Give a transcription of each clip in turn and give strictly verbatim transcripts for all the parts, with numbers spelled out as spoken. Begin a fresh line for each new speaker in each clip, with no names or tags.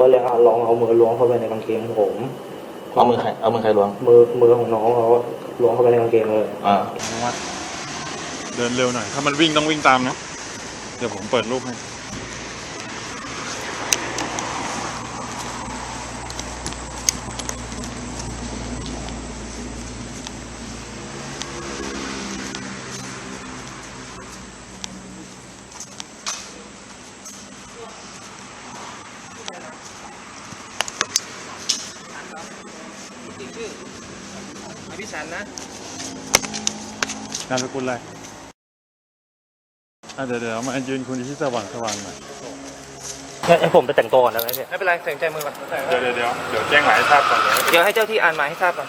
ก็เลยลองเอามือล้วงเข้าไปในกางเกงผม
เอามือใครเอามือใครล้วง
มือมือของน้องเขาล้วงเข้าไปในกางเกงเลย
อ่า
เดินเร็วหน่อยถ้ามันวิ่งต้องวิ่งตามนะเดี๋ยวผมเปิดรูปให้
ชื่ออภิชันนะ
นามสกุลอะไรอ่ะเดี๋ยวเดี๋ยวมายืนคุณที่สว่างสว่างหน่อย
ให้ผมไปแต่งตัวก่อนได้ไหมเนี่ย
ไม่เป็นไรใส่ใจมือก่อน
เดี๋ยวเดี๋ยวเดี๋ยวเดี๋ยวแจ้งหมายให้ทราบก่อน
เดี๋ยวให้เจ้าที่อ่านหมายให้ทราบก่อน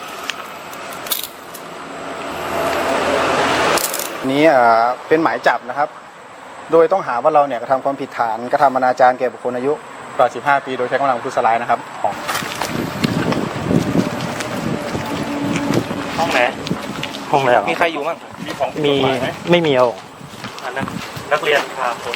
นี้เป็นหมายจับนะครับโดยต้องหาว่าเราเนี่ยกระทำความผิดฐานกระทำอนาจารแก่บุคคลอายุกว่าสิบห้าปีโดยใช้กำลังประทุษร้ายนะครับของ
ห้องไหนห้องไหน
มีใครอยู่บ้าง
มีของ
มีไม่มีเอาอันนั้นนักเรียนพาคน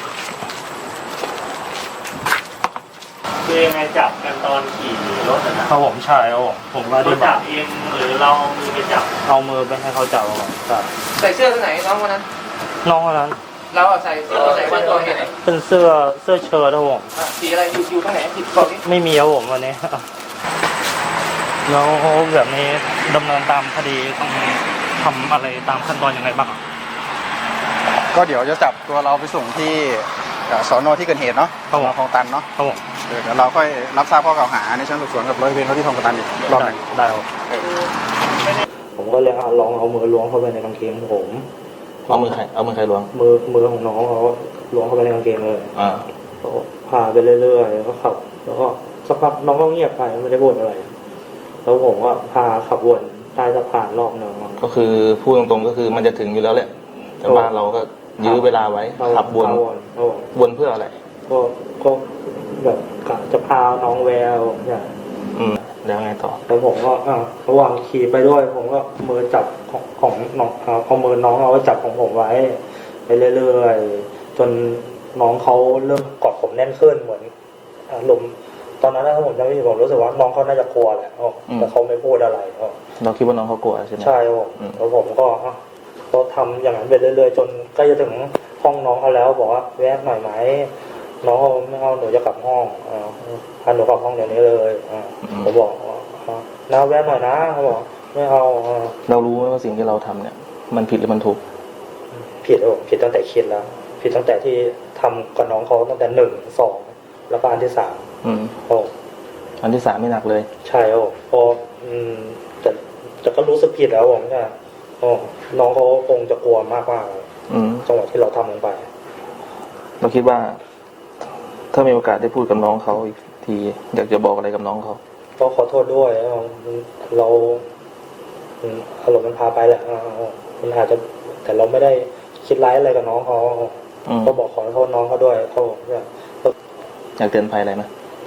คือยังไงจับกันตอนขี่รถนะครับ
ผมใช่เอาผมก็
ได้จับเองหรือเรามือไปจับ
เอามือไปให้เขาจับครับ
ใส่เสื้อตัวไหนน้องวันนั้น
น้องคนนั้น
เราใส่เสื้อใส่วันตัวเห็นไหน
เป็นเสื้อเสื้อเชิ้ตครับผม
สีอะไรอยู่อยู่ข้างไหนผิดบอกดิ
ไม่มีครับผมวันนี้แล้วแบบนี้ดำเนินตามคดีต้องทำอะไรตามขั้นตอนยังไงบ้าง
ก็เดี๋ยวจะจับตัวเราไปส่งที่สอนอที่เกิดเหตุเนาะสอนอคลองตันเนาะ
ครับผม
เดี๋ยวเราค่อยรับทราบข้อกล่าวหาในชั้นสอบสวนกับร้อยเวรเขาที่คลองตันอีกรอบหนึ่ง
ได้ครับผมก็เลยลองเอามือล้วงเข้าไปในกางเกงผม
เอามือใครเอามือใครล้วง
มือมือของน้องเขาล้วงเข้าไปในกางเกงเลย
อ่า
พาไปเรื่อยๆก็ขับแล้วก็สักพักน้องก็เงียบไปไม่ได้บ่นอะไรแล้วผมก็พาขับวนใต้สะพานรอบนึง
ก็คือพูดตรงๆก็คือมันจะถึงอยู่แล้วแหละแต่บ้านเราก็ยื้อเวลาไว้ขับวนวนเพื่ออะไร
ก็ก็แบบกะจะพาน้องแววอย่าง
อืมแล้วไงต่อ
แล้วผมก็อ่าระหว่างขี่ไปด้วยผมก็มือจับของของน้องเอามือน้องเอาไว้จับของผมไว้ไปเรื่อยๆจนน้องเขาเริ่มกอดผมแน่นขึ้นเหมือนอารมณ์ตอนนั้นถ้าผมจำไม่ผิดผมรู้สึกว่าน้องเขาน่าจะกลัวแหละแต่เขาไม่พูดอะไร
เราคิดว่าน้องเขากลัวใช่ไหม
ใช่ครับผมแล้วผมก็ก็ทำอย่างนั้นไปเรื่อยๆจนใกล้จะถึงห้องน้องเขาแล้วบอกว่าแวะหน่อยไหมน้องเขาไม่เอาหนูจะกลับห้องพาหนูกลับห้องเดี๋ยวนี้เลยผมบอกน้าแวะหน่อยนะเขาบอกไม่เอา
เรารู้ไหมว่าสิ่งที่เราทำเนี่ยมันผิดหรือมันถูก
ผิดโอ้ผิดตั้งแต่คิดแล้วผิดตั้งแต่ที่ทำกับน้องเขาตั้งแต่หนึ่งสองแล้วก็อันที่สามโอ้
อันที่สามไม่หนักเลย
ใช่โอ้พออืมแต่แต่ก็รู้สึกผิดแล้วผมเนี่ยโอ้น้องเขาคงจะกลัวมากมากจังหวะที่เราทำลงไป
เราคิดว่าถ้ามีโอกาสได้พูดกับน้องเขาอีกทีอยากจะบอกอะไรกับน้องเขา
ก็ขอโทษด้วยเราอารมณ์มันพาไปแหละมันอาจจะแต่เราไม่ได้คิดร้ายอะไรกับน้องเขาก็บอกขอโทษน้องเขาด้วยเขา
อยากเตือนภัยอะไรไหม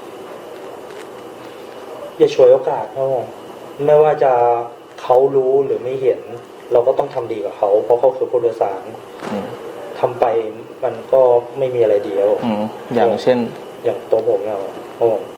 อย่าฉวยโอกาสครับผมไม่ว่าจะเขารู้หรือไม่เห็นเราก็ต้องทำดีกับเขาเพราะเขาคือผู้โดยสารทำไปมันก็ไม่มีอะไรเดียว
อย่างเช่น
อย่างตัวผมเนี่ยครับ